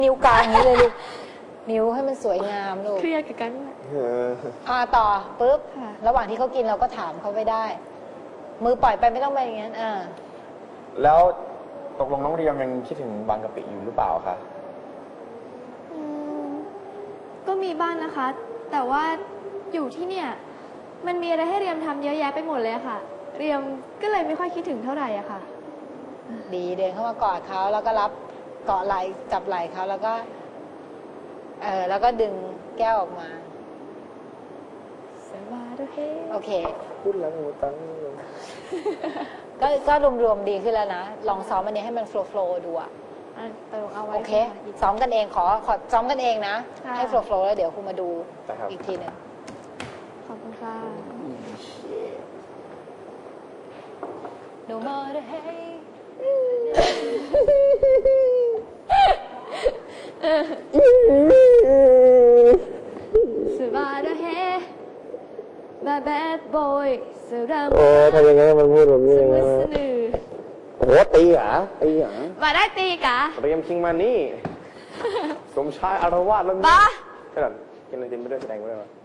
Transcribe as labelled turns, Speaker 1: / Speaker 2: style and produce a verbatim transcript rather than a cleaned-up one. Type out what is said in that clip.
Speaker 1: นิ้วกลางอย่างนี้เลยลูกนิ้วให้มันสวยงามลูก
Speaker 2: เครียดกับกัน
Speaker 1: อ่าต่อปุ๊บ
Speaker 2: ค่ะ
Speaker 1: ระหว่างที่เขากินเราก็ถามเขาไปได้ มือปล่อยไปไม่ต้องไปอย่างนั้นอ่า
Speaker 3: แล้วตกลงน้องเรียมยังคิดถึงบางกะปิอยู่หรือเปล่าคะ
Speaker 2: อืมก็มีบ้างนะคะ แต่ว่าอยู่ที่เนี่ย มันมีอะไรให้เรียมทำเยอะแยะไปหมดเลยอะค่ะ เรียมก็เลยไม่ค่อยคิดถึงเท่าไหร่อะค่ะ
Speaker 1: ดีเดินเข้ามากอดเขาแล้วก็รับเกาะไหล่จับไหล่เขาแล้วก็เออแล้วก็ดึงแก้วออกมา
Speaker 2: สบายด้วยเฮ้
Speaker 1: โอเค
Speaker 3: พูดแล้วหนูตั้ง
Speaker 1: ก็ก็รวมๆดีขึ้นแล้วนะ ลองซ้อมอันนี้ให้มันโฟล์โฟล์ดูอะ
Speaker 2: อ่ะเติมเอาไว้
Speaker 1: โอเค
Speaker 2: ค่ะอีก
Speaker 1: ซ้อมกันเองขอขอซ้อมกันเองนะ
Speaker 2: ค่ะ
Speaker 1: ให้โฟล์โฟล์แล้วเดี๋ยวครูมาดู
Speaker 3: นะครับ
Speaker 1: อีกทีหนึ่ง
Speaker 2: ขอบคุณค่ะ
Speaker 1: No matter hey
Speaker 2: สบายด้วยเฮ้ Bad bad boy เสือดำ
Speaker 3: โอ้ทำยังไงมันพูดแบบนี้
Speaker 2: ส
Speaker 3: ยังไง
Speaker 2: มือสนือ
Speaker 3: โอ้โหตีเหรอตีเหรอ
Speaker 2: มาได้ตีกะ
Speaker 3: เรียมคิงมานี่ สมชายอารวาสแล้ว
Speaker 2: บ้า
Speaker 3: ขนาดกินอะไรกินไปด้วยแสดงไปด้วย